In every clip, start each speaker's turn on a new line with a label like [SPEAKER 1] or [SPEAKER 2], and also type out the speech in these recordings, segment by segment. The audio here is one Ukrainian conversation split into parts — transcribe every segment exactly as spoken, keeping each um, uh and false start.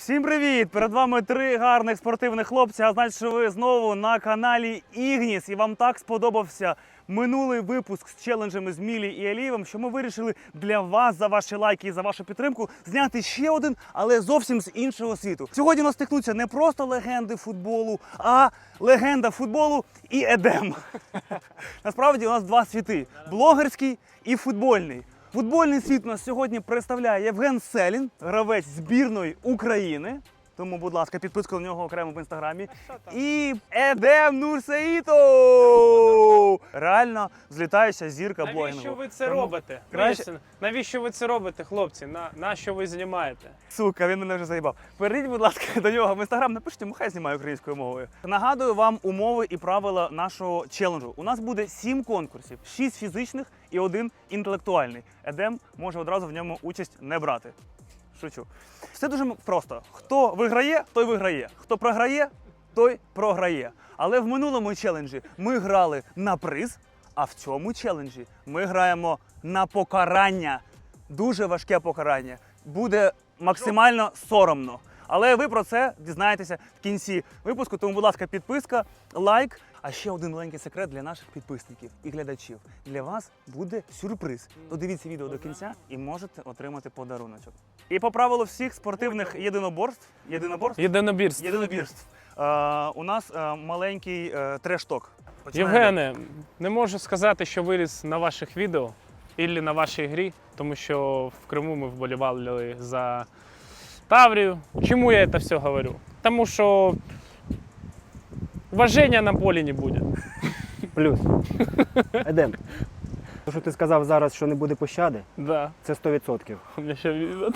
[SPEAKER 1] Всім привіт! Перед вами три гарних спортивних хлопці, а значить, що ви знову на каналі Ігніс. І вам так сподобався минулий випуск з челенджами з Мілі і Алієвим, що ми вирішили для вас, за ваші лайки і за вашу підтримку, зняти ще один, але зовсім з іншого світу. Сьогодні у нас стикнуться не просто легенди футболу, а легенда футболу і Едем. Насправді у нас два світи – блогерський і футбольний. Футбольний світ у нас сьогодні представляє Євген Селін, гравець збірної України. Тому, будь ласка, підписка на нього окремо в інстаграмі. І Едем Нурсеїтов! Реально злітаюча зірка блогінгу.
[SPEAKER 2] Навіщо ви це
[SPEAKER 1] Тому
[SPEAKER 2] робите?
[SPEAKER 1] краще...
[SPEAKER 2] Навіщо ви це робите, хлопці? На, на що ви знімаєте?
[SPEAKER 1] Сука, він мене вже заїбав. Перейдіть, будь ласка, до нього в інстаграм, напишіть йому, хай знімає українською мовою. Нагадую вам умови і правила нашого челенджу. У нас буде сім конкурсів, шість фізичних і один інтелектуальний. Едем може одразу в ньому участь не брати. Шучу. Все дуже просто. Хто виграє, той виграє. Хто програє, той програє. Але в минулому челенджі ми грали на приз, а в цьому челенджі ми граємо на покарання. Дуже важке покарання. Буде максимально соромно. Але ви про це дізнаєтеся в кінці випуску. Тому, будь ласка, підписка, лайк. А ще один маленький секрет для наших підписників і глядачів. Для вас буде сюрприз. Додивіться відео до кінця і можете отримати подаруночок. І по правилу всіх спортивних єдиноборств, єдиноборств?
[SPEAKER 2] Єдинобірство.
[SPEAKER 1] Єдинобірств. Е, у нас е, маленький е, треш-ток. Починаємо.
[SPEAKER 2] Євгене, не можу сказати, що виріс на ваших відео або на вашій грі, тому що в Криму ми вболівали за Таврію. Чому я це все говорю? Тому що уваження на полі не буде.
[SPEAKER 3] Плюс. Едем. Те, що ти сказав зараз, що не буде пощади,
[SPEAKER 2] Да.
[SPEAKER 3] це сто відсотків.
[SPEAKER 2] У мене ще відео.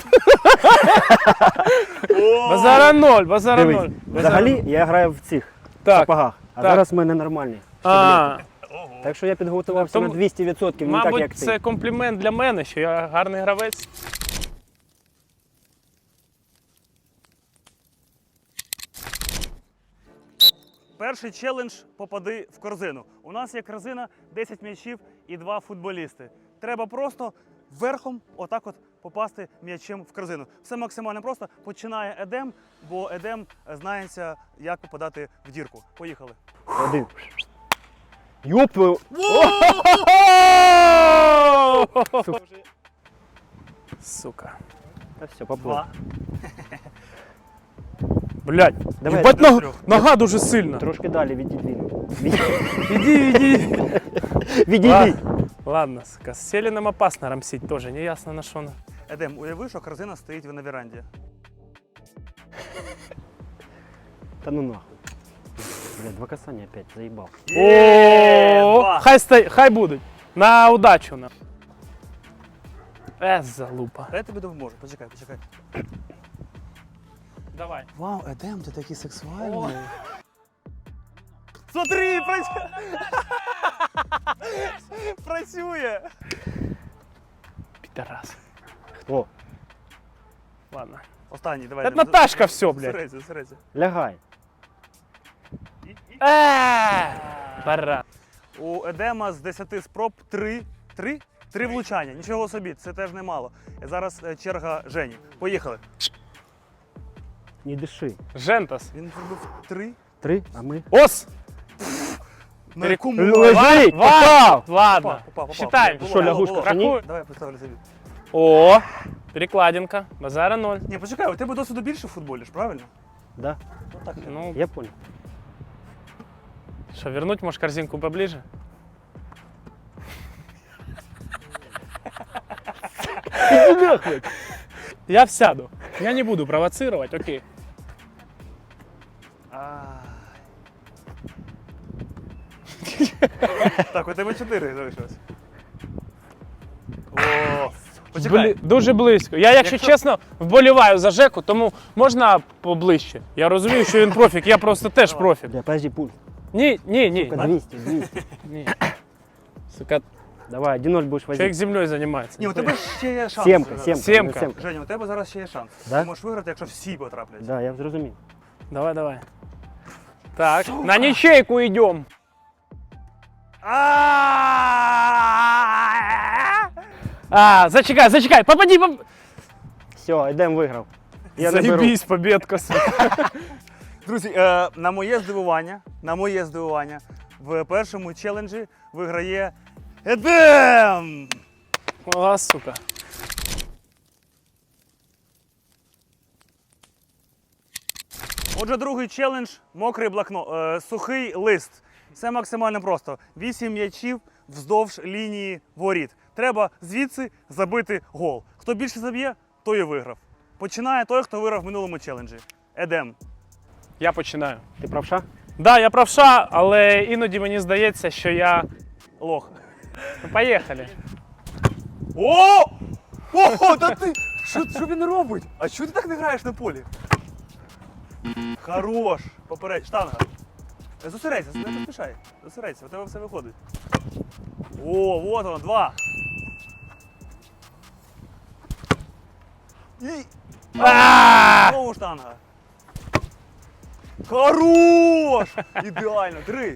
[SPEAKER 2] Базара ноль, базара
[SPEAKER 3] Дивись,
[SPEAKER 2] ноль.
[SPEAKER 3] взагалі я граю в цих
[SPEAKER 2] Так,
[SPEAKER 3] сапогах, а
[SPEAKER 2] так.
[SPEAKER 3] зараз в мене нормальні.
[SPEAKER 2] А,
[SPEAKER 3] Так що я підготувався
[SPEAKER 2] Тому-
[SPEAKER 3] на двісті відсотків, не так,
[SPEAKER 2] мабуть,
[SPEAKER 3] як ти.
[SPEAKER 2] це комплімент для мене, що я гарний гравець.
[SPEAKER 1] Перший челендж «Попади в корзину». У нас є корзина, десять м'ячів і два футболісти. Треба просто верхом отак от попасти м'ячем в корзину. Все максимально просто. Починає Едем, бо Едем знається, як попадати в дірку. Поїхали.
[SPEAKER 3] Один. Йоп! твою- Сука.
[SPEAKER 2] Сука.
[SPEAKER 3] Та все, поплив.
[SPEAKER 1] Два.
[SPEAKER 2] Блядь,
[SPEAKER 3] Давай,
[SPEAKER 2] їбать,
[SPEAKER 1] до
[SPEAKER 2] нога,
[SPEAKER 1] трьох.
[SPEAKER 2] нога дуже сильна.
[SPEAKER 3] Трошки далі відійди. Від-
[SPEAKER 2] Иди, иди.
[SPEAKER 3] Відійди.
[SPEAKER 2] Ладно, сука, с Селиным опасно рамсить тоже, не ясно на что.
[SPEAKER 1] Едем, уяви, що корзина стоїть на веранді.
[SPEAKER 3] Та ну нахуй. Бля, два касання опять, заїбав.
[SPEAKER 1] Є,
[SPEAKER 2] О,
[SPEAKER 1] два.
[SPEAKER 2] хай стой, хай будуть. На удачу на. Э, залупа.
[SPEAKER 1] Я тобі допоможу, почекай, почекай.
[SPEAKER 2] Давай.
[SPEAKER 1] Вау, Едем, ти такий сексуальний. Смотри, працює! Працює!
[SPEAKER 2] Пидорас.
[SPEAKER 3] О,
[SPEAKER 2] Ладно.
[SPEAKER 1] Останній, давай.
[SPEAKER 2] Это Наташка все, блядь.
[SPEAKER 1] Зосередься, зосередься.
[SPEAKER 3] лягай.
[SPEAKER 2] Э, баран.
[SPEAKER 1] У Едема з десяти спроб три, три? Три влучання. Нічого собі, це теж немало. Зараз е, черга Жені. Поїхали.
[SPEAKER 3] Не диши.
[SPEAKER 2] Жентас.
[SPEAKER 1] Він зробив три.
[SPEAKER 3] Три, а ми.
[SPEAKER 2] Ос.
[SPEAKER 1] На якому
[SPEAKER 3] Лежи!
[SPEAKER 2] Ва-
[SPEAKER 3] Попав!
[SPEAKER 2] Ладно.
[SPEAKER 1] Попав, попав,
[SPEAKER 2] Считаем.
[SPEAKER 1] попав.
[SPEAKER 3] Що,
[SPEAKER 1] Було,
[SPEAKER 3] лягушка,
[SPEAKER 1] було.
[SPEAKER 3] що ні?
[SPEAKER 2] Рахуй.
[SPEAKER 1] Давай поставлю собі.
[SPEAKER 2] О, перекладинка. Базара ноль.
[SPEAKER 1] Ні, почекай, у тебе досвіду більше в футболі ж, правильно?
[SPEAKER 3] Да,
[SPEAKER 1] Ну так.
[SPEAKER 2] Ну,
[SPEAKER 3] я понял.
[SPEAKER 2] что, вернуть, может, корзинку поближе? Я всяду. Я не буду провоцировать, окей.
[SPEAKER 1] Ай. Так, у тебе чотири залишилось. О, почекай.
[SPEAKER 2] Бли- Дуже близько. Я, якщо,
[SPEAKER 1] Якщо-
[SPEAKER 2] чесно, вболіваю за Жеку, тому можна поближче. Я розумію, що він профік, я просто теж профік.
[SPEAKER 3] Бля, подожди, пульс.
[SPEAKER 2] Ні, ні, ні.
[SPEAKER 3] Сука, двісті, двісті.
[SPEAKER 2] ні. Сука,
[SPEAKER 3] Давай, один ноль будеш
[SPEAKER 2] чоловік
[SPEAKER 3] возити.
[SPEAKER 2] землею займається.
[SPEAKER 1] Ні, у тебе ще є шанс.
[SPEAKER 3] Сімка,
[SPEAKER 1] зараз.
[SPEAKER 3] сімка.
[SPEAKER 2] Сімка.
[SPEAKER 3] Сімка.
[SPEAKER 1] Женя, у тебе зараз ще є шанс.
[SPEAKER 3] Да?
[SPEAKER 1] Ти можеш виграти, якщо всі потраплять.
[SPEAKER 3] Да, я зрозумів.
[SPEAKER 2] Давай, давай. Так, на нічейку йдемо.
[SPEAKER 1] А-а-а!
[SPEAKER 2] А, зачекай, зачекай, попади, поп...
[SPEAKER 3] Все, Едем виграв. Я не беру.
[SPEAKER 2] Заєбісь, побєдка.
[SPEAKER 1] Друзі, е, на моє здивування, на моє здивування, в першому челенджі виграє Едем!
[SPEAKER 2] О, сука.
[SPEAKER 1] Отже, другий челендж мокрий блокнот, е, сухий лист. Все максимально просто. Вісім м'ячів вздовж лінії воріт. Треба звідси забити гол. Хто більше заб'є, той і виграв. Починає той, хто виграв в минулому челенджі. Едем.
[SPEAKER 2] Я починаю.
[SPEAKER 3] Ти правша?
[SPEAKER 2] Да, я правша, але іноді мені здається, що я...
[SPEAKER 1] Лох.
[SPEAKER 2] Ну, поїхали.
[SPEAKER 1] О! О, та ти! Що, що він робить? А чого ти так не граєш на полі? Хорош! Попередь, штанга. Е, Зосередься, не поспішай. Зосередься, у тебе все виходить. О, вот воно, два. І...
[SPEAKER 2] А!
[SPEAKER 1] Знову штанга. Хорош! Ідеально, три.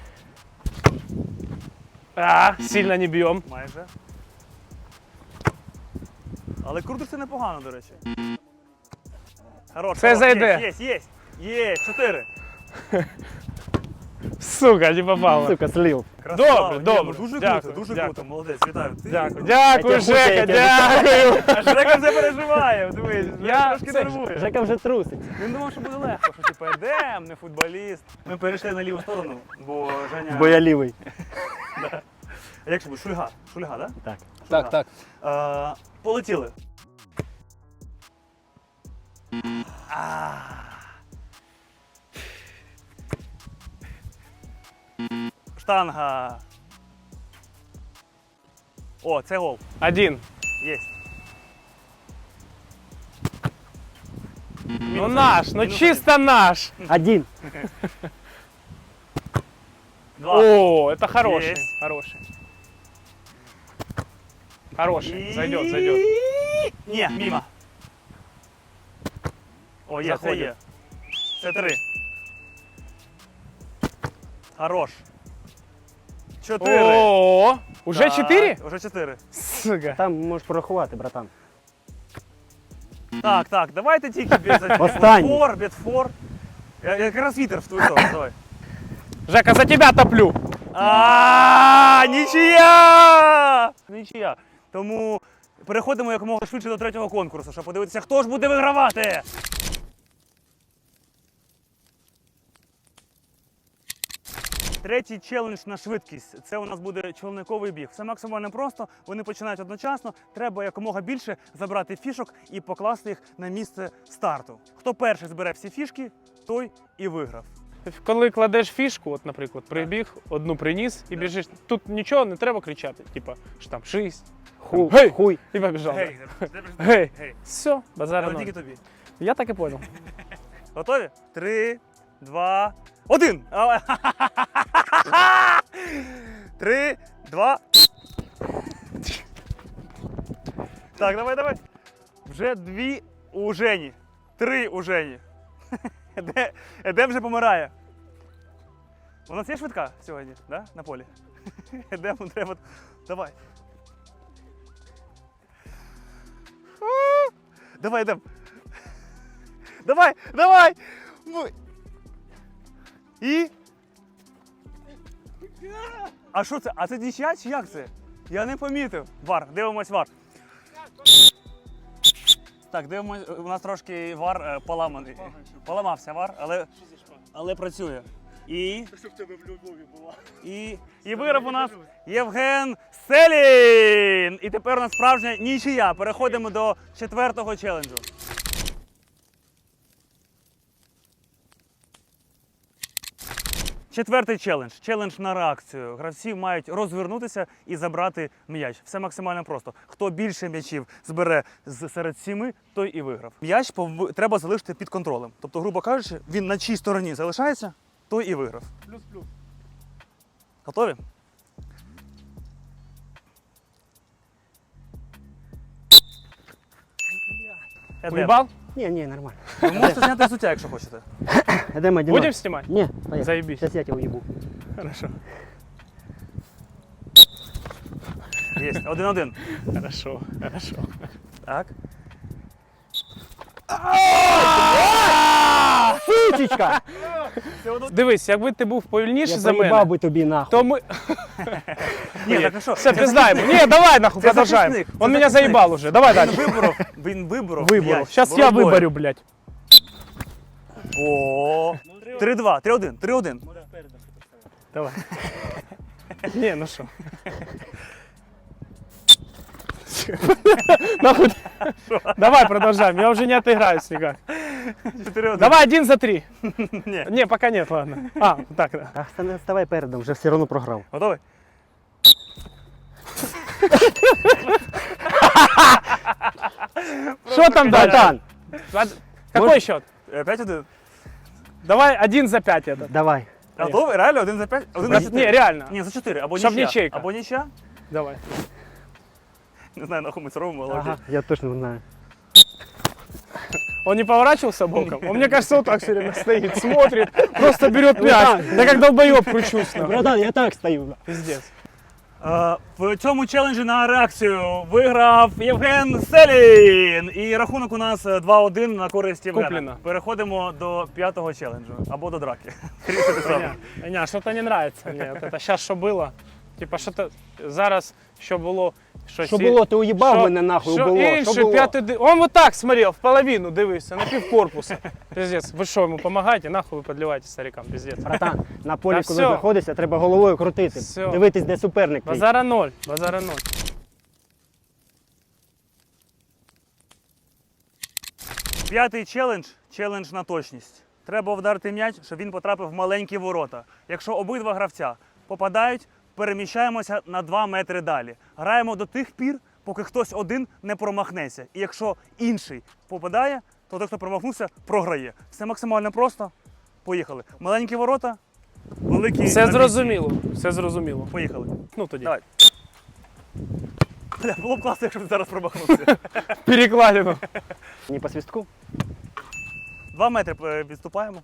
[SPEAKER 2] А, сильно не б'єм.
[SPEAKER 1] Майже. Але крутиться непогано, до речі. Хорош.
[SPEAKER 2] Це
[SPEAKER 1] хорош.
[SPEAKER 2] зайде.
[SPEAKER 1] Є, є, є. Є, чотири.
[SPEAKER 2] Сука, не попало.
[SPEAKER 3] Сука, слив.
[SPEAKER 1] Красава.
[SPEAKER 2] Добре,
[SPEAKER 1] Ні,
[SPEAKER 2] добре.
[SPEAKER 1] ну дуже
[SPEAKER 2] Дякую,
[SPEAKER 1] круто, дуже
[SPEAKER 2] дякую.
[SPEAKER 1] круто. Молодець, вітаю. Ти...
[SPEAKER 2] Дякую. Дякую,
[SPEAKER 3] Я тебе
[SPEAKER 2] Жека,
[SPEAKER 3] хочу, я тебе
[SPEAKER 2] дякую.
[SPEAKER 1] А Жека вже переживає, дивись,
[SPEAKER 2] Я-
[SPEAKER 1] я трошки
[SPEAKER 2] це-
[SPEAKER 1] нервує.
[SPEAKER 3] Жека вже труситься.
[SPEAKER 1] Він думав, що буде легко, що типу Едем, не футболіст. Ми перейшли на ліву сторону, бо Женя...
[SPEAKER 3] Бо я лівий.
[SPEAKER 1] А як же буде? Шульга? Шульга, так?
[SPEAKER 3] Так.
[SPEAKER 2] Так, так.
[SPEAKER 1] Да? Е, полетіли. А. Штанга. О, це гол.
[SPEAKER 2] Один.
[SPEAKER 1] Єсть.
[SPEAKER 2] Ну наш, ну
[SPEAKER 1] Мінус
[SPEAKER 2] чисто наш.
[SPEAKER 3] Один.
[SPEAKER 1] Два.
[SPEAKER 2] О, это хороший,
[SPEAKER 1] Есть.
[SPEAKER 2] хороший. Хороший,
[SPEAKER 1] І-
[SPEAKER 2] зайдет, зайдет.
[SPEAKER 1] Ні, мимо. О, є, це
[SPEAKER 2] Заходить.
[SPEAKER 1] є. Це три. Хорош. Чотири.
[SPEAKER 2] О, уже
[SPEAKER 1] Так,
[SPEAKER 2] четыре?
[SPEAKER 1] Уже чотири.
[SPEAKER 2] Сука.
[SPEAKER 3] Там можеш порахувати, братан.
[SPEAKER 1] Так, так, давайте тільки без
[SPEAKER 3] Останній.
[SPEAKER 1] фор, без фор. Я- Якраз вітер в твою сторону, давай.
[SPEAKER 2] Жека, за тебя топлю.
[SPEAKER 1] А, нічия! Нічия. Тому переходимо якомога швидше до третього конкурсу, щоб подивитися, хто ж буде вигравати. Третій челендж на швидкість. Це у нас буде човниковий біг. Все максимально просто. Вони починають одночасно. Треба якомога більше забрати фішок і покласти їх на місце старту. Хто перший збере всі фішки, той і виграв.
[SPEAKER 2] Коли кладеш фішку, от, наприклад, прибіг, одну приніс і біжиш, тут нічого не треба кричати, типа, що там шість,
[SPEAKER 3] Хуй.
[SPEAKER 2] Гей!
[SPEAKER 3] Хуй.
[SPEAKER 2] і побіжав.
[SPEAKER 1] Гей,
[SPEAKER 2] Гей.
[SPEAKER 1] гей.
[SPEAKER 2] Все, базара
[SPEAKER 1] Але
[SPEAKER 2] ноль.
[SPEAKER 1] тільки тобі.
[SPEAKER 2] Я так і понял.
[SPEAKER 1] Готові? Три, два, один. А, Три, два. Так, давай, давай. Вже дві у Жені. Три у Жені. Де, Едем вже помирає. У нас є швидка сьогодні, да? На полі? Едему треба. Давай. Давай, Едем. Давай, давай! Ми- І? А що це? А це нічия чи як це? Я не помітив. Вар, дивимось вар. Так, дивимось, у нас трошки вар е, поламаний. Поламався вар, але, але працює. І? Щоб в тебе в Львові була. І, і виграв у нас Євген Селін! І тепер у нас справжня нічия. Переходимо до четвертого челенджу. Четвертий челендж. Челендж на реакцію. Гравці мають розвернутися і забрати м'яч. Все максимально просто. Хто більше м'ячів збере з серед сіми, той і виграв. М'яч пов... треба залишити під контролем. Тобто, грубо кажучи, він на чій стороні залишається, той і виграв.
[SPEAKER 2] Плюс-плюс.
[SPEAKER 1] Готові? Едем.
[SPEAKER 2] Уебал?
[SPEAKER 3] Ні, ні, нормально.
[SPEAKER 1] Ви можете зняти взуття, якщо хочете.
[SPEAKER 3] Едем один.
[SPEAKER 2] Будем снимать?
[SPEAKER 3] Ні, поїхали.
[SPEAKER 2] Заебись.
[SPEAKER 3] Зараз я тебе уїбу.
[SPEAKER 2] Хорошо.
[SPEAKER 1] Є, один-один.
[SPEAKER 2] Хорошо, хорошо.
[SPEAKER 1] Так.
[SPEAKER 3] Сучечка!
[SPEAKER 2] Дивись, якби ти був повільніший
[SPEAKER 3] Я
[SPEAKER 2] за
[SPEAKER 3] поїбав
[SPEAKER 2] мене,
[SPEAKER 3] би тобі нахуй.
[SPEAKER 2] то ми...
[SPEAKER 1] Ні, так а що?
[SPEAKER 2] Все, пиздаємо. Ні, давай нахуй,
[SPEAKER 1] Це
[SPEAKER 2] продовжаємо.
[SPEAKER 1] захисник, це
[SPEAKER 2] Он меня
[SPEAKER 1] захисник.
[SPEAKER 2] заебал уже. Давай
[SPEAKER 1] Він
[SPEAKER 2] дальше.
[SPEAKER 1] виборов, він виборов.
[SPEAKER 2] Выбору.
[SPEAKER 1] м'яч.
[SPEAKER 2] Сейчас я
[SPEAKER 1] Боротьбою.
[SPEAKER 2] выборю, блядь.
[SPEAKER 1] О, три два, три один, три один.
[SPEAKER 2] Давай. Не, ну что. Нахуй. Давай продолжаем, я уже не отыграюсь никак.
[SPEAKER 1] чотири один.
[SPEAKER 2] Давай один за три.
[SPEAKER 1] Ні.
[SPEAKER 2] Не, пока нет, ладно. А, так, да.
[SPEAKER 3] А стане- ставай передом, вже все одно програв.
[SPEAKER 1] Готовий?
[SPEAKER 2] Что там дальше?
[SPEAKER 3] Братан,
[SPEAKER 2] Ладно. Какой счет?
[SPEAKER 1] Е, п'ять один.
[SPEAKER 2] Давай один за пять это.
[SPEAKER 3] давай.
[SPEAKER 1] Готовий? Реально? Один за п'ять? Один за чотири?
[SPEAKER 2] Не, реально.
[SPEAKER 1] Ні, за чотири. Або
[SPEAKER 2] Щоб
[SPEAKER 1] нічия.
[SPEAKER 2] нічийка.
[SPEAKER 1] Або нічия.
[SPEAKER 2] Давай.
[SPEAKER 1] Не знаю, нахуй ми це робимо, але
[SPEAKER 3] Ага,
[SPEAKER 1] окей.
[SPEAKER 3] я точно не знаю.
[SPEAKER 2] Он не поворачивался боком? Он, мне кажется, вот так все время стоит, смотрит, просто берет мяч. Я как долбоеб кручусь. нахуй.
[SPEAKER 3] Братан, я так стою.
[SPEAKER 2] Пиздец.
[SPEAKER 1] Е, В цьому челенджі на реакцію виграв Євген Селін. І рахунок у нас е, два один на користь Євгена.
[SPEAKER 2] Куплено.
[SPEAKER 1] Переходимо до п'ятого челенджу. Або до драки. Рішити саме.
[SPEAKER 2] Не, не, что-то не нравится мне. Вот это сейчас что было? Типа, что-то зараз, що було, щось...
[SPEAKER 3] Що
[SPEAKER 2] і-
[SPEAKER 3] було, ти уїбав
[SPEAKER 2] що-
[SPEAKER 3] мене нахуй,
[SPEAKER 2] що
[SPEAKER 3] було.
[SPEAKER 2] інше,
[SPEAKER 3] Що було?
[SPEAKER 2] п'ятий ди- Он вот так смотрел, в половину дивився, на пів корпуса. Пиздец, ви що, йому помагаєте? Нахуй ви підливаєте старикам, пиздец.
[SPEAKER 3] Братан, на полі,
[SPEAKER 2] Та
[SPEAKER 3] коли
[SPEAKER 2] всьо.
[SPEAKER 3] знаходишся, треба головою крутити.
[SPEAKER 2] Всьо.
[SPEAKER 3] Дивитись, де суперник. твій.
[SPEAKER 2] Базара ноль, базара ноль.
[SPEAKER 1] П'ятий челендж челендж на точність. Треба вдарити м'яч, щоб він потрапив в маленькі ворота. Якщо обидва гравця попадають, переміщаємося на два метри далі. Граємо до тих пір, поки хтось один не промахнеться. І якщо інший попадає, то той, хто промахнувся, програє. Все максимально просто. Поїхали. Маленькі ворота, великі.
[SPEAKER 2] Все
[SPEAKER 1] амбіції.
[SPEAKER 2] зрозуміло, все зрозуміло.
[SPEAKER 1] Поїхали.
[SPEAKER 2] Ну тоді.
[SPEAKER 1] Давай. Бля, було б класно, якщо б зараз промахнувся.
[SPEAKER 2] Перекладину.
[SPEAKER 3] Не по свистку?
[SPEAKER 1] Два метри е, відступаємо.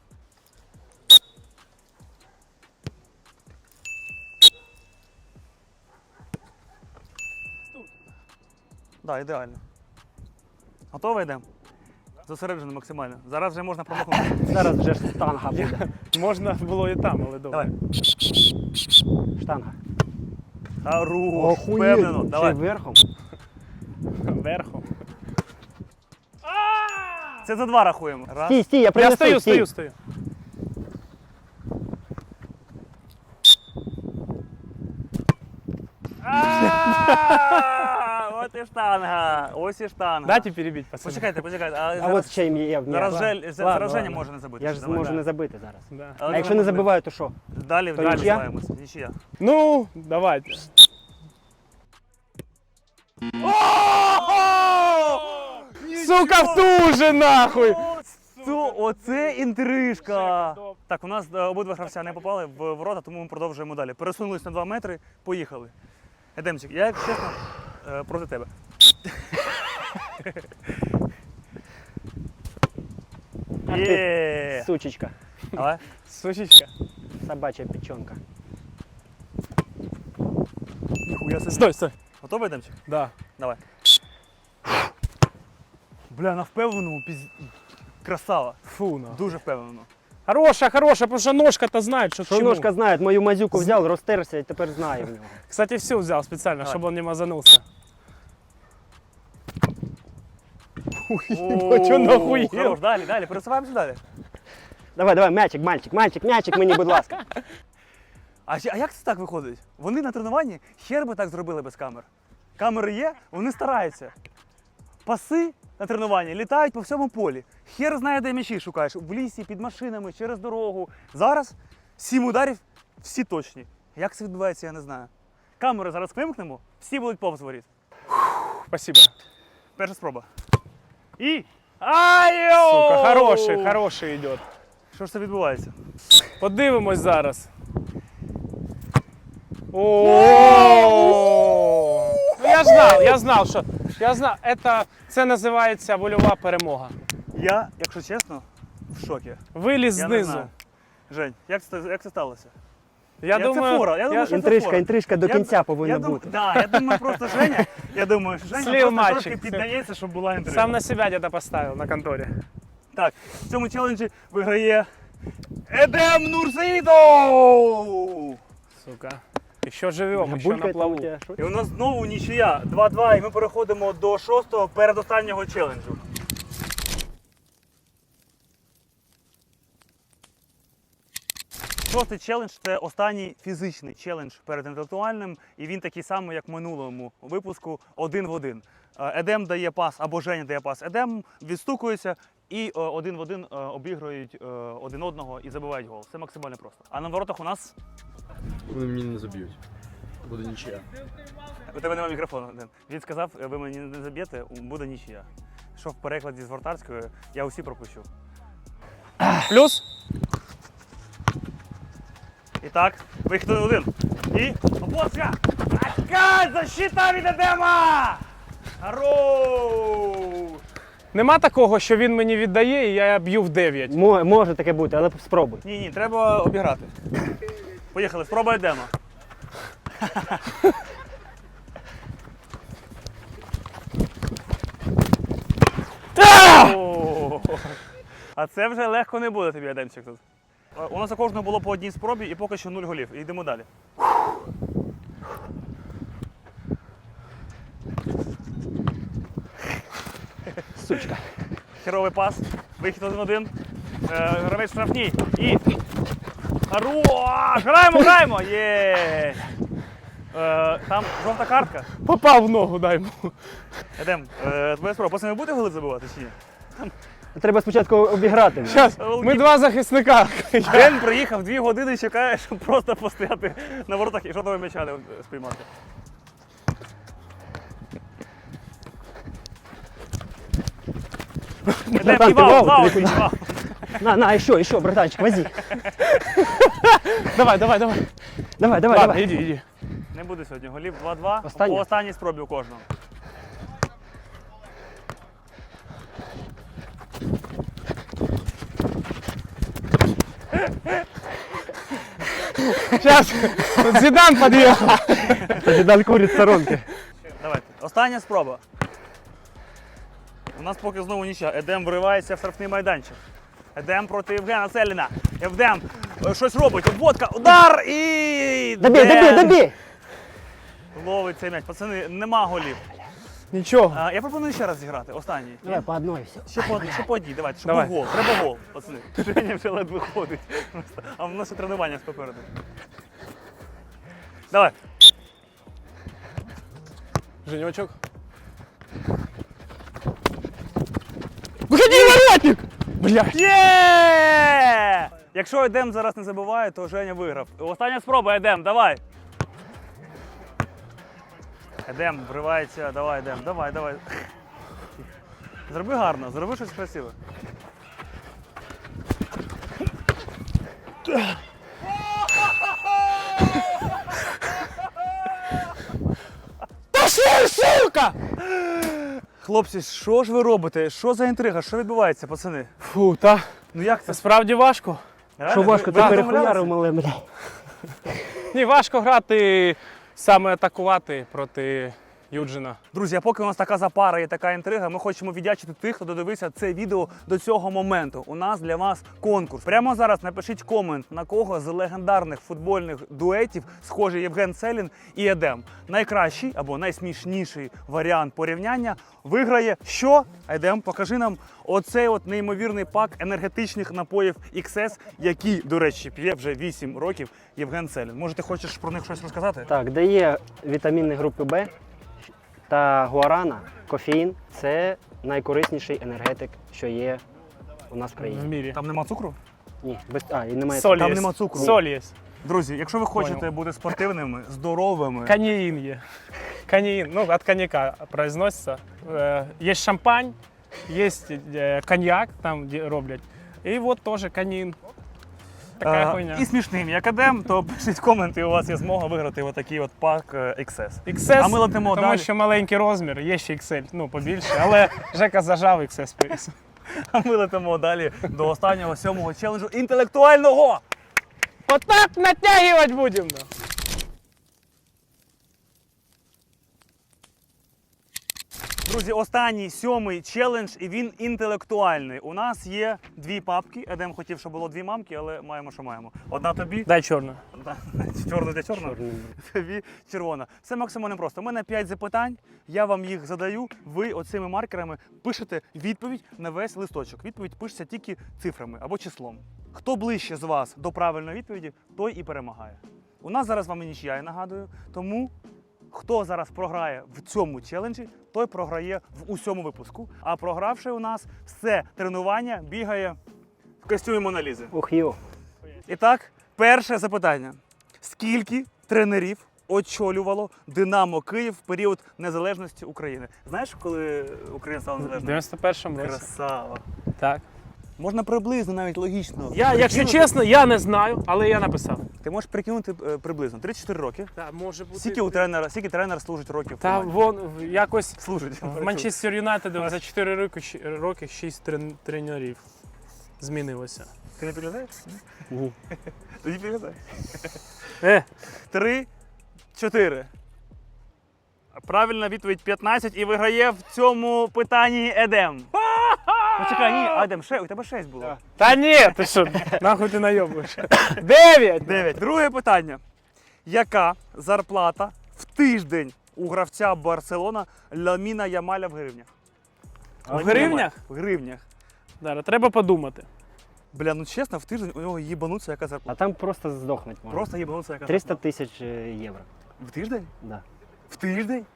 [SPEAKER 1] Так, да, ідеально. Готово йдемо? Зосереджено максимально. Зараз вже можна промахнути.
[SPEAKER 3] Зараз вже ж штанга буде.
[SPEAKER 2] Можна було і там, але добре.
[SPEAKER 1] Давай.
[SPEAKER 3] Штанга.
[SPEAKER 1] Хорош, впевнено.
[SPEAKER 3] Ще
[SPEAKER 1] Давай.
[SPEAKER 3] верхом.
[SPEAKER 2] Верхом.
[SPEAKER 1] Це за два рахуємо. Раз.
[SPEAKER 3] Стій, стій, я
[SPEAKER 2] Я
[SPEAKER 3] принесу.
[SPEAKER 2] стою,
[SPEAKER 3] стій.
[SPEAKER 2] стою, стою.
[SPEAKER 1] А, От і штанга. Ось і штанга.
[SPEAKER 2] Дайте перебить, пацаны.
[SPEAKER 1] Почекайте, почекайте. А,
[SPEAKER 3] А
[SPEAKER 1] зараз,
[SPEAKER 3] от ще є. ні.
[SPEAKER 1] зараз
[SPEAKER 2] ладно.
[SPEAKER 1] жаль,
[SPEAKER 2] Ладно,
[SPEAKER 1] зараз Женя
[SPEAKER 2] ладно.
[SPEAKER 1] може не забити.
[SPEAKER 3] Я ж
[SPEAKER 1] Давай.
[SPEAKER 3] зможу
[SPEAKER 1] Да.
[SPEAKER 3] не забити зараз.
[SPEAKER 2] Да.
[SPEAKER 1] Але
[SPEAKER 3] А якщо не
[SPEAKER 1] можна
[SPEAKER 3] забиваю, то що?
[SPEAKER 1] Далі,
[SPEAKER 3] То
[SPEAKER 1] далі
[SPEAKER 3] нічия?
[SPEAKER 1] збиваємося. Нічия.
[SPEAKER 2] Ну, давайте. Сука, в ту же нахуй!
[SPEAKER 1] Цу, оце інтрижка. Так, у нас е, обидва гравця не попали в ворота, тому ми продовжуємо далі. Пересунулись на два метри, поїхали. Едемчик, я, як чесно, е, проти тебе.
[SPEAKER 3] Ах
[SPEAKER 1] Є.
[SPEAKER 3] Сучечка.
[SPEAKER 1] Давай.
[SPEAKER 2] Сучечка.
[SPEAKER 3] Собача печенка.
[SPEAKER 1] Ніхуя собі.
[SPEAKER 2] Стой, стой.
[SPEAKER 1] Готовий, Едемчик?
[SPEAKER 2] Да.
[SPEAKER 1] Давай. Бля, на впевненому піз... Красава.
[SPEAKER 2] Фу, на.
[SPEAKER 1] Дуже впевнено.
[SPEAKER 2] Хорошая, хорошая, потому что ножка-то знает, что к
[SPEAKER 3] Що
[SPEAKER 2] чему.
[SPEAKER 3] ножка знає, мою мазюку взяв, розтерся і тепер знає в нього.
[SPEAKER 2] Кстати, все взял специально,
[SPEAKER 1] Давай.
[SPEAKER 2] чтобы он не мазанулся.
[SPEAKER 1] О,
[SPEAKER 2] Чё нахуел?
[SPEAKER 1] хорош, далі, далі, пересуваємося далі.
[SPEAKER 3] Давай, давай, м'ячик, мальчик, мальчик, м'ячик мені, будь ласка.
[SPEAKER 1] А, ще- а як це так виходить? Вони на тренуванні хер би так зробили без камер. Камери є, вони стараються. Паси на тренуванні літають по всьому полі. Хер знає, де м'ячі шукаєш. В лісі, під машинами, через дорогу. Зараз сім ударів, всі точні. Як це відбувається, я не знаю. Камери зараз вимкнемо, всі будуть повз воріт.
[SPEAKER 2] Спасибо.
[SPEAKER 1] Перша спроба. І. Айо!
[SPEAKER 2] Сука, хороший, хороший идет.
[SPEAKER 1] Що ж це відбувається?
[SPEAKER 2] Подивимось зараз. О! Ну, я знав, я знав, що я знав, це, це називається вольова перемога.
[SPEAKER 1] Я, якщо чесно, в шокі.
[SPEAKER 2] Виліз
[SPEAKER 1] Я не
[SPEAKER 2] знизу.
[SPEAKER 1] знаю. Жень, як це, як це сталося?
[SPEAKER 2] Я,
[SPEAKER 1] це
[SPEAKER 2] думаю,
[SPEAKER 1] фора, я думаю, що це
[SPEAKER 3] Інтрижка,
[SPEAKER 1] фора.
[SPEAKER 3] інтрижка до
[SPEAKER 1] Я-
[SPEAKER 3] кінця повинна
[SPEAKER 1] я дум-
[SPEAKER 3] бути.
[SPEAKER 1] Да, я думаю, просто Женя, я думаю, що Женя
[SPEAKER 2] Слів
[SPEAKER 1] просто
[SPEAKER 2] мальчик.
[SPEAKER 1] трошки піддається, щоб була інтрига.
[SPEAKER 2] сам на себя где-то поставил на конторе.
[SPEAKER 1] Так, в цьому челенджі виграє Едем Нурсеїдов!
[SPEAKER 2] Сука. Еще живем, еще
[SPEAKER 3] Булькає
[SPEAKER 2] на
[SPEAKER 3] там
[SPEAKER 2] плаву.
[SPEAKER 3] у тебе, що?
[SPEAKER 1] І у нас знову нічия два-два, і ми переходимо до шостого передостаннього челенджу. Шостий челендж це останній фізичний челендж перед інтелектуальним, і він такий самий, як в минулому випуску, один в один. Е, Едем дає пас або Женя дає пас Едем, відстукується і е, один в один е, обігрують е, один одного і забивають гол. Це максимально просто. А на воротах у нас
[SPEAKER 4] Вони мені не заб'ють. Буде нічия.
[SPEAKER 1] у тебе немає мікрофону. Ден. Він сказав, ви мені не заб'єте, буде нічия. Що в перекладі з вратарської, я усі пропущу.
[SPEAKER 2] Плюс.
[SPEAKER 1] І так, вихід один. І обоска! Така защита від Едема! Хорош!
[SPEAKER 2] Нема такого, що він мені віддає і я б'ю в дев'ять.
[SPEAKER 3] Мо- Може таке бути, але спробуй.
[SPEAKER 1] Ні, ні, треба обіграти. Поїхали, спроба Едема. О, А це вже легко не буде тобі, Едемчик, тут. Е, У нас у кожного було по одній спробі і поки що нуль голів. І йдемо далі.
[SPEAKER 3] Сучка.
[SPEAKER 1] Херовий пас. Вихід один в один. Е, Гравець штрафній. І. Хорош! Граємо, граємо! Є! Е, Там жовта картка.
[SPEAKER 2] Попав в ногу, дай йому.
[SPEAKER 1] Едем, е, твоя спроба. Пацани, ви будете голи забивати чи ні?
[SPEAKER 3] Треба спочатку обіграти.
[SPEAKER 2] Зараз, ми два захисника.
[SPEAKER 1] Ден приїхав дві години і чекає, щоб просто постояти на воротах і жодного м'яча не спіймати. Едем,
[SPEAKER 3] Братан,
[SPEAKER 1] і
[SPEAKER 3] ти
[SPEAKER 1] вау,
[SPEAKER 3] вау,
[SPEAKER 1] вау,
[SPEAKER 3] ти
[SPEAKER 1] і вау.
[SPEAKER 3] На, на, ще, ще, братанчик, возі.
[SPEAKER 2] Давай, давай, давай.
[SPEAKER 3] Давай, давай,
[SPEAKER 2] Ладно,
[SPEAKER 3] давай.
[SPEAKER 2] іди, іди.
[SPEAKER 1] Не буде сьогодні голів два-два.
[SPEAKER 3] Останнє?
[SPEAKER 1] По останній спробі у кожного.
[SPEAKER 2] Зараз, Зідан під'їхав.
[SPEAKER 3] Тоді дан курить сторонки.
[SPEAKER 1] Давайте. Остання спроба. У нас поки знову нічия. Едем вривається в штрафний майданчик. Едем проти Євгена Селіна. Євдем е, щось робить. Обводка, удар і...
[SPEAKER 3] Добій, добій,
[SPEAKER 1] Ден
[SPEAKER 3] добій.
[SPEAKER 1] ловить цей м'яч. Пацани, нема голів.
[SPEAKER 2] Нічого.
[SPEAKER 1] А, я пропоную ще раз зіграти. Останній.
[SPEAKER 3] Давай по одной, все.
[SPEAKER 1] Ще по одній, ще по одній. Давайте, щоб
[SPEAKER 2] Давай.
[SPEAKER 1] був гол. Треба гол, пацани. Женя вже ледве ходить. А в нас ще тренування попереду. Давай.
[SPEAKER 2] Женечок. Виходи, воротник! Блядь.
[SPEAKER 1] Є! Якщо Едем зараз не забиває, то Женя виграв. Остання спроба, Едем, давай. Едем, вривається, давай, Едем, давай, давай. Зроби гарно, зроби щось красиве.
[SPEAKER 2] Пошли, сука!
[SPEAKER 1] Хлопці, що ж ви робите? Що за інтрига? Що відбувається, пацани?
[SPEAKER 2] Фу, та.
[SPEAKER 1] Ну як це?
[SPEAKER 2] Це справді важко.
[SPEAKER 1] Реально?
[SPEAKER 3] Що важко,
[SPEAKER 1] Ви-
[SPEAKER 3] ти
[SPEAKER 1] ви
[SPEAKER 3] перехуярив
[SPEAKER 1] домовлялися?
[SPEAKER 3] мале, бля.
[SPEAKER 2] Ні, важко грати, саме атакувати проти Юджина.
[SPEAKER 1] Друзі, а поки у нас така запара і така інтрига, ми хочемо віддячити тих, хто додивився це відео до цього моменту. У нас для вас конкурс. Прямо зараз напишіть комент, на кого з легендарних футбольних дуетів схожий Євген Селін і Едем. Найкращий або найсмішніший варіант порівняння виграє що? Едем, покажи нам оцей от неймовірний пак енергетичних напоїв ікс ес, які, до речі, п'є вже вісім років Євген Селін. Може, ти хочеш про них щось розказати?
[SPEAKER 3] Так, де є вітаміни групи Б та гуарана, кофеїн – це найкорисніший енергетик, що є у нас в
[SPEAKER 2] В
[SPEAKER 3] країні.
[SPEAKER 2] мірі.
[SPEAKER 1] Там нема цукру?
[SPEAKER 3] Ні, без, а, і немає.
[SPEAKER 2] Соль
[SPEAKER 1] там
[SPEAKER 2] є.
[SPEAKER 1] нема цукру.
[SPEAKER 2] Соль є.
[SPEAKER 1] Друзі, якщо ви хочете
[SPEAKER 2] Понял.
[SPEAKER 1] бути спортивними, здоровими,
[SPEAKER 2] Канеїн є. Канеїн, ну, від коньяка произноситься. Е, Є шампань, є е, коньяк, там де роблять. І от теж канеїн. Така
[SPEAKER 1] е,
[SPEAKER 2] хуйня.
[SPEAKER 1] і смішним, як Едем, то пишіть коменти, у вас є змога виграти отакий от пак е, ікс ес.
[SPEAKER 2] ікс ес,
[SPEAKER 1] А ми летимо
[SPEAKER 2] тому
[SPEAKER 1] далі.
[SPEAKER 2] що маленький розмір, є ще ікс ель, ну побільше, але Жека зажав ікс ес приз.
[SPEAKER 1] А ми летимо далі до останнього сьомого челенджу інтелектуального.
[SPEAKER 2] Отак натягувати будемо.
[SPEAKER 1] Друзі, останній сьомий челендж, і він інтелектуальний. У нас є дві папки. Едем хотів, щоб було дві мамки, але маємо, що маємо. Одна тобі,
[SPEAKER 2] Дай чорну.
[SPEAKER 1] одна чорна для чорного, тобі червона. Все максимально просто. У мене п'ять запитань, я вам їх задаю. Ви оцими маркерами пишете відповідь на весь листочок. Відповідь пишеться тільки цифрами або числом. Хто ближче з вас до правильної відповіді, той і перемагає. У нас зараз з вами нічия, я нагадую, тому хто зараз програє в цьому челенджі, той програє в усьому випуску. А програвши у нас все тренування бігає в костюмі Моналізи.
[SPEAKER 3] Ух, йо.
[SPEAKER 1] І так, перше запитання. Скільки тренерів очолювало Динамо Київ в період незалежності України? Знаєш, коли Україна стала
[SPEAKER 2] В
[SPEAKER 1] незалежною?
[SPEAKER 2] дев'яносто першому році.
[SPEAKER 1] Красава.
[SPEAKER 2] Так.
[SPEAKER 1] Можна приблизно, навіть логічно.
[SPEAKER 2] Я, якщо
[SPEAKER 1] прикинути.
[SPEAKER 2] чесно, я не знаю, але я написав.
[SPEAKER 1] Ти можеш прикинути е, приблизно тридцять чотири роки.
[SPEAKER 2] Так, може бути.
[SPEAKER 1] Скільки у тренера, скільки тренер служить років? в
[SPEAKER 2] Та
[SPEAKER 1] команді?
[SPEAKER 2] вон якось
[SPEAKER 1] Служить.
[SPEAKER 2] в Манчестер Юнайтед за чотири роки, щ- роки шість трен- тренерів змінилося.
[SPEAKER 1] Ти не підглядаєш?
[SPEAKER 3] Ні.
[SPEAKER 1] Тоді підглядай.
[SPEAKER 2] Е,
[SPEAKER 1] Три, чотири. Правильна відповідь п'ятнадцять і виграє в цьому питанні Едем. Ну чекай, ні, Едем, ще, у тебе шесть було.
[SPEAKER 2] та ні, ти що, нахуй ти найобуєш. Дев'ять!
[SPEAKER 1] дев'ять. Друге питання. Яка зарплата в тиждень у гравця Барселона Ламіна Ямаля в гривнях?
[SPEAKER 2] В
[SPEAKER 1] Ламін
[SPEAKER 2] гривнях?
[SPEAKER 1] Ямаль. В гривнях.
[SPEAKER 2] Зараз, треба подумати.
[SPEAKER 1] Бля, ну чесно, в тиждень у нього їбануться яка
[SPEAKER 3] А
[SPEAKER 1] зарплата.
[SPEAKER 3] там просто здохнуть можна.
[SPEAKER 1] Просто їбануться яка
[SPEAKER 3] триста
[SPEAKER 1] зарплата.
[SPEAKER 3] тисяч е, євро.
[SPEAKER 1] В тиждень?
[SPEAKER 3] Да.
[SPEAKER 1] В тиждень?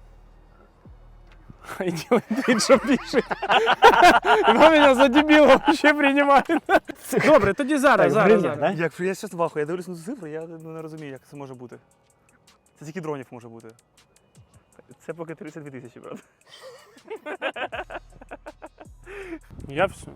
[SPEAKER 2] І ділить він, що пише. І ви мене за дебіла ще приймаєте. Добре, тоді зараз,
[SPEAKER 3] Так, в
[SPEAKER 2] зараз.
[SPEAKER 3] гривнях,
[SPEAKER 2] зараз.
[SPEAKER 3] да?
[SPEAKER 1] Як я щас вахую, я дивлюсь на цю цифру, я ну, не розумію, як це може бути. Це тільки дронів може бути. Це поки тридцять дві тисячі, правда?
[SPEAKER 2] Я все.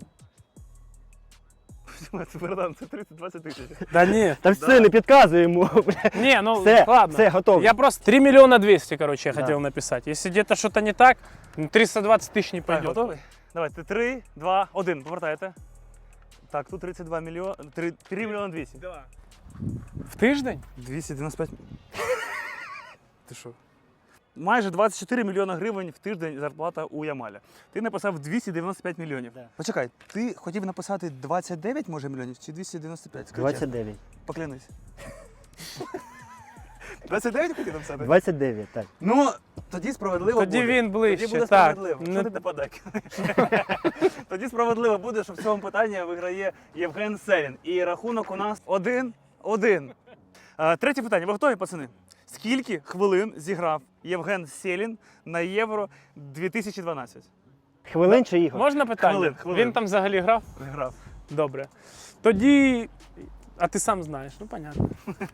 [SPEAKER 1] Це братан, це тридцять-двадцять тисяч.
[SPEAKER 2] Да ні.
[SPEAKER 3] Та все, не підказуй йому. бля.
[SPEAKER 2] Не, ну
[SPEAKER 3] Все,
[SPEAKER 2] ладно.
[SPEAKER 3] все, готово.
[SPEAKER 2] Я просто три миллиона двести, короче, я
[SPEAKER 3] Да.
[SPEAKER 2] хотел написать. Если где-то что-то не так, ну, триста двадцать тысяч не
[SPEAKER 1] Так,
[SPEAKER 2] пойдет.
[SPEAKER 1] готовий? Давайте, три, два, один, повертаєте. Так, тут тридцять два мільйони, три мільйони двісті.
[SPEAKER 2] В тиждень?
[SPEAKER 1] двісті дев'яносто п'ять. Ти що? Майже двадцять чотири мільйони гривень в тиждень зарплата у Ямаля. Ти написав двісті дев'яносто п'ять мільйонів.
[SPEAKER 3] Да.
[SPEAKER 1] Почекай, ти хотів написати двадцять дев'ять може мільйонів чи двісті дев'яносто п'ять? Скажи
[SPEAKER 3] двадцять
[SPEAKER 1] чесно.
[SPEAKER 3] дев'ять.
[SPEAKER 1] Поклянись. двадцять дев'ять хотів написати?
[SPEAKER 3] двадцять дев'ять, так.
[SPEAKER 1] Ну, тоді справедливо
[SPEAKER 2] Тоді
[SPEAKER 1] буде.
[SPEAKER 2] він ближче,
[SPEAKER 1] Тоді буде
[SPEAKER 2] так.
[SPEAKER 1] справедливо.
[SPEAKER 2] Не-
[SPEAKER 1] Що ти нападай? Тоді справедливо буде, що в цьому питанні виграє Євген Селін. І рахунок у нас один-один. Е, Третє питання. Ви готові, пацани? Скільки хвилин зіграв Євген Селін на Євро дві тисячі дванадцять?
[SPEAKER 3] Хвилин чи ігор?
[SPEAKER 2] Можна питання?
[SPEAKER 1] Хвилин, хвилин.
[SPEAKER 2] Він там взагалі грав?
[SPEAKER 1] Грав.
[SPEAKER 2] Добре. Тоді. А ти сам знаєш, ну понятно.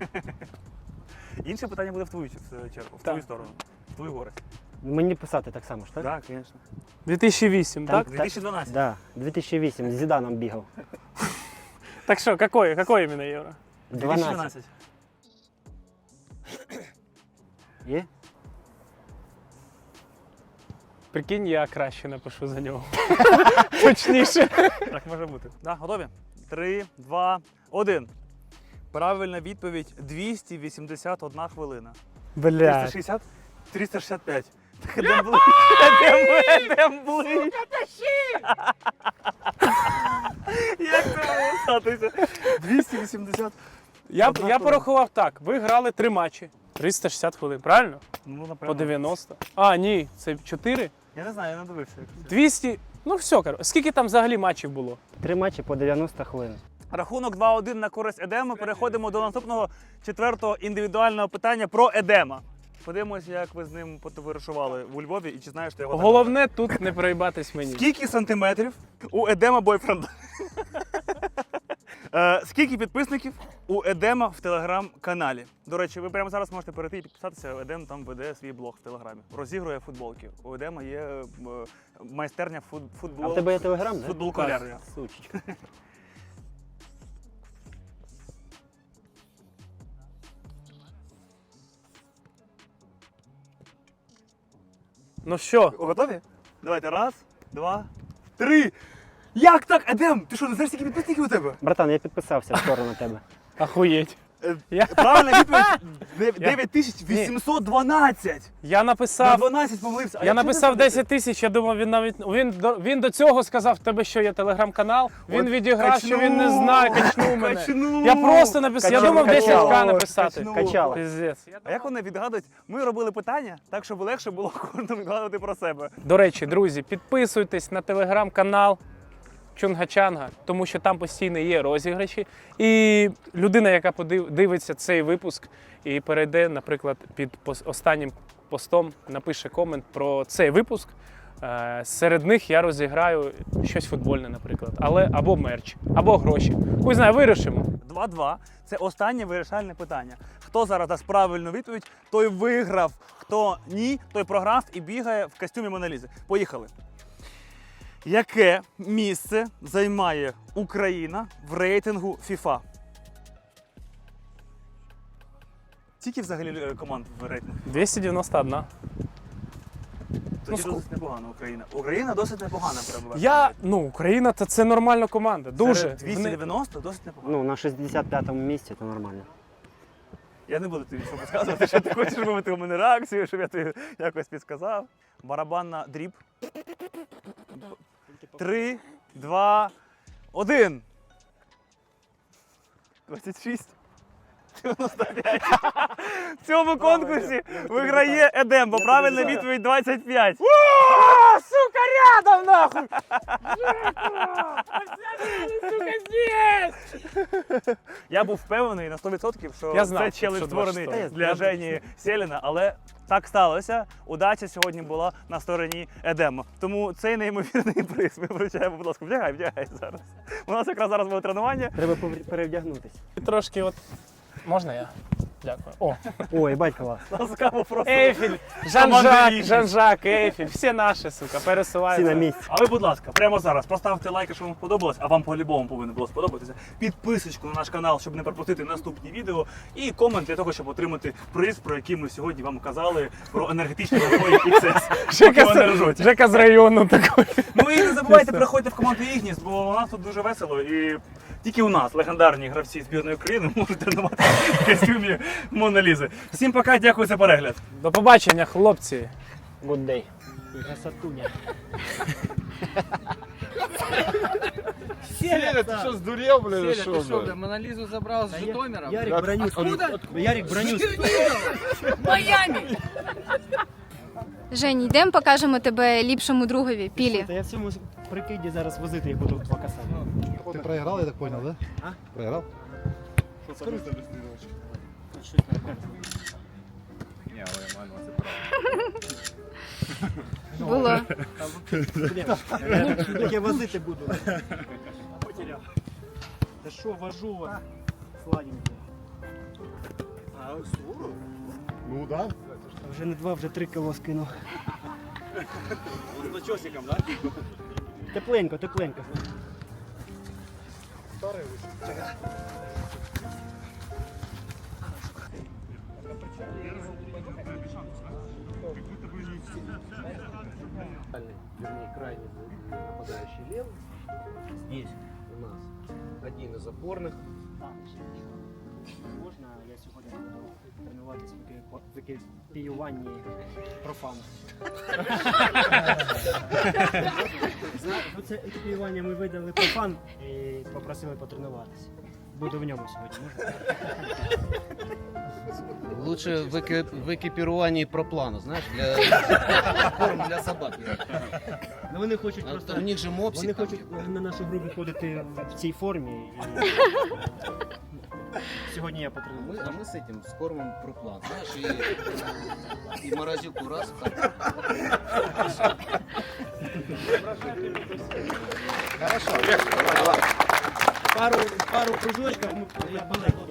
[SPEAKER 1] Інше питання буде в твою ч- чергу, в
[SPEAKER 2] Так.
[SPEAKER 1] твою сторону, в твою горесть.
[SPEAKER 3] Мені писати так само ж, так?
[SPEAKER 1] Так, звісно.
[SPEAKER 2] дві тисячі вісім,
[SPEAKER 3] Там-
[SPEAKER 2] так?
[SPEAKER 1] дві тисячі дванадцять.
[SPEAKER 3] Да, дві тисячі вісім, з Зіданом бігав.
[SPEAKER 2] Так що, какой, какой іменно євро?
[SPEAKER 1] дві тисячі
[SPEAKER 3] дванадцять.
[SPEAKER 1] дванадцять.
[SPEAKER 3] Є?
[SPEAKER 2] Прикинь, я краще напишу за нього. Точніше.
[SPEAKER 1] Так може бути. Да, готові? Три, два, один. Правильна відповідь двісті вісімдесят одна хвилина. триста
[SPEAKER 2] Бля.
[SPEAKER 1] шістдесят? триста шістдесят п'ять. Так Едем ближче. Едем, едем ближче. Як це було статися? двісті вісімдесят.
[SPEAKER 2] Я,
[SPEAKER 1] Одна
[SPEAKER 2] я
[SPEAKER 1] хвилина.
[SPEAKER 2] порахував так. Ви грали три матчі. триста шістдесят хвилин, правильно?
[SPEAKER 1] Ну,
[SPEAKER 2] По
[SPEAKER 1] напевно.
[SPEAKER 2] дев'яносто. А, ні, це чотири.
[SPEAKER 1] Я не знаю, я не дивився.
[SPEAKER 2] двісті. Ну все, коротше. Скільки там взагалі матчів було?
[SPEAKER 3] Три матчі по дев'яносто хвилин.
[SPEAKER 1] Рахунок два один на користь Едема. Переходимо до наступного четвертого індивідуального питання про Едема. Подивимося, як ви з ним потоваришували у Львові і чи знаєш ти його.
[SPEAKER 2] Головне тут не проїбатись мені.
[SPEAKER 1] Скільки сантиметрів у Едема бойфренда? Е, Скільки підписників у Едема в телеграм-каналі? До речі, ви прямо зараз можете перейти і підписатися. Едем там веде свій блог в телеграмі. Розігрує футболки. У Едема є е, майстерня фут,
[SPEAKER 3] А
[SPEAKER 1] футбол.
[SPEAKER 3] в тебе є телеграм, да?
[SPEAKER 1] Футбол колярня.
[SPEAKER 3] Сучечка.
[SPEAKER 2] Ну що?
[SPEAKER 1] Готові? Давайте. Раз, два, три. Як так, Едем? Ти що, не знаєш, скільки підписників у тебе?
[SPEAKER 3] Братан, я підписався в сторону тебе.
[SPEAKER 2] Ахуєть.
[SPEAKER 1] Е,
[SPEAKER 2] Я-
[SPEAKER 1] Правильна відповідь дев'ять тисяч вісімсот дванадцять.
[SPEAKER 2] Я
[SPEAKER 1] На
[SPEAKER 2] написав,
[SPEAKER 1] дванадцять помилився. А
[SPEAKER 2] я
[SPEAKER 1] якщо
[SPEAKER 2] написав
[SPEAKER 1] не забути?
[SPEAKER 2] десять тисяч, я думав, він навіть він до, він до цього сказав, в тебе що є телеграм-канал. Він
[SPEAKER 1] От
[SPEAKER 2] відіграв, що він не знає, качнув мене.
[SPEAKER 1] Качнув.
[SPEAKER 2] Я просто написав, я
[SPEAKER 1] Качав,
[SPEAKER 2] думав десять
[SPEAKER 1] качав.
[SPEAKER 2] ка написати.
[SPEAKER 1] Качнув.
[SPEAKER 3] Качало.
[SPEAKER 2] Пиздець.
[SPEAKER 1] А як вони відгадують? Ми робили питання так, щоб легше було кожному відгадувати про себе.
[SPEAKER 2] До речі, друзі, підписуйтесь на телеграм-канал Чунга-Чанга, тому що там постійно є розіграші. І людина, яка подив- дивиться цей випуск і перейде, наприклад, під пос- останнім постом, напише комент про цей випуск. е, Серед них я розіграю щось футбольне, наприклад, але або мерч, або гроші. Хуй знає, вирішимо.
[SPEAKER 1] два-два. Це останнє вирішальне питання. Хто зараз дасть правильну відповідь, той виграв. Хто ні, той програв і бігає в костюмі Монолізи. Поїхали. Яке місце займає Україна в рейтингу FIFA? Скільки взагалі е, команд в рейтингу?
[SPEAKER 2] двісті дев'яносто один.
[SPEAKER 1] Тоді
[SPEAKER 2] ску-
[SPEAKER 1] досить непогана Україна. Україна досить непогана перебуває.
[SPEAKER 2] Я, ну, Україна це, це нормальна команда. Дуже.
[SPEAKER 1] Серед
[SPEAKER 2] Вони-
[SPEAKER 1] двісті дев'яносто досить непогано.
[SPEAKER 3] Ну, на шістдесят п'ятому місці то нормально.
[SPEAKER 1] Я не буду тобі що підказувати, що ти хочеш вивити у мене реакцію, щоб я тобі якось підказав. Барабанна дріб. Три, два, один. двадцять шість. дев'яносто п'ять. В цьому конкурсі виграє Едем, бо правильна відповідь двадцять п'ять.
[SPEAKER 2] О, сука, рядом нахуй! Сука, здесь!
[SPEAKER 1] Я був впевнений на сто відсотків, що
[SPEAKER 2] Я знав,
[SPEAKER 1] це челендж
[SPEAKER 2] що
[SPEAKER 1] створений
[SPEAKER 2] двадцять
[SPEAKER 1] для Жені Селіна, але так сталося. Удача сьогодні була на стороні Едема. Тому цей неймовірний приз ми вручаємо, будь ласка, вдягай, вдягай зараз. У нас якраз зараз буде тренування.
[SPEAKER 3] Треба повр- перевдягнутися.
[SPEAKER 2] Трошки от. Можна я? Дякую. О,
[SPEAKER 3] Ой, батько клас.
[SPEAKER 1] Ласкаво просто.
[SPEAKER 2] Ейфель,
[SPEAKER 1] Команда
[SPEAKER 2] Жан-Жак,
[SPEAKER 1] Ейфель.
[SPEAKER 2] Жан-Жак, Ейфель, всі наші, сука,
[SPEAKER 3] Всі на
[SPEAKER 2] пересуваються.
[SPEAKER 3] місці.
[SPEAKER 1] А ви, будь ласка, прямо зараз поставте лайк, якщо вам сподобалось, а вам по-любому повинно було сподобатися. Підписочку на наш канал, щоб не пропустити наступні відео. І комент для того, щоб отримати приз, про який ми сьогодні вам казали, про енергетичні напої ікс ес.
[SPEAKER 2] Жека,
[SPEAKER 1] Поки вони
[SPEAKER 2] з-
[SPEAKER 1] ржуть.
[SPEAKER 2] Жека з району такий.
[SPEAKER 1] Ну і не забувайте приходьте в команду Ігніс, бо у нас тут дуже весело. І тільки у нас легендарні гравці збірної України можуть тренувати в костюмі Монолізи. Всім пока, дякую за перегляд.
[SPEAKER 2] До побачення, хлопці.
[SPEAKER 3] Good day. Красотуня.
[SPEAKER 4] Селя, ты что, сдурел, блин, или
[SPEAKER 5] Селя,
[SPEAKER 4] что,
[SPEAKER 5] ты что,
[SPEAKER 4] блин?
[SPEAKER 5] бля, Монолизу забрал с Житомира?
[SPEAKER 3] Ярик броню.
[SPEAKER 5] Откуда?
[SPEAKER 3] Ярик броню.
[SPEAKER 5] Майами!
[SPEAKER 6] Жень, йдемо, покажемо тебе ліпшому другові, Пілі.
[SPEAKER 3] Та я в цьому прикиді зараз возити їх буду два касати.
[SPEAKER 7] Ты проиграл, я так понял, да?
[SPEAKER 3] А?
[SPEAKER 7] Проиграл?
[SPEAKER 6] Було.
[SPEAKER 3] Так я возити буду. Потеряв. Та що, вожу вас, сладенький.
[SPEAKER 7] Ну да.
[SPEAKER 3] Вже не два, вже три кіло скинув.
[SPEAKER 1] З начосиком, так?
[SPEAKER 3] Тепленько, тепленько.
[SPEAKER 8] Вернее, крайний нападающий левый. Здесь у нас один из опорных.
[SPEAKER 3] Можна я сьогодні буду тренуватися в екіпіюванні профану? Це екіпіювання ми видали профан і попросили потренуватися. Буду в ньому сьогодні. Можна?
[SPEAKER 8] Лучше в, эки- в экипировании проплана, знаешь, для корм для собак.
[SPEAKER 3] Ну вони хочуть
[SPEAKER 8] А
[SPEAKER 3] просто.
[SPEAKER 8] то у них же
[SPEAKER 3] Вони
[SPEAKER 8] мопсик. там.
[SPEAKER 3] хочуть на нашу групу ходити в цій формі. І сьогодні я
[SPEAKER 8] Мы,
[SPEAKER 3] потреную.
[SPEAKER 8] а мы с этим, с кормом проплан, знаешь, и, и морозилку раз. Так.
[SPEAKER 3] Пару, пару кружочків ми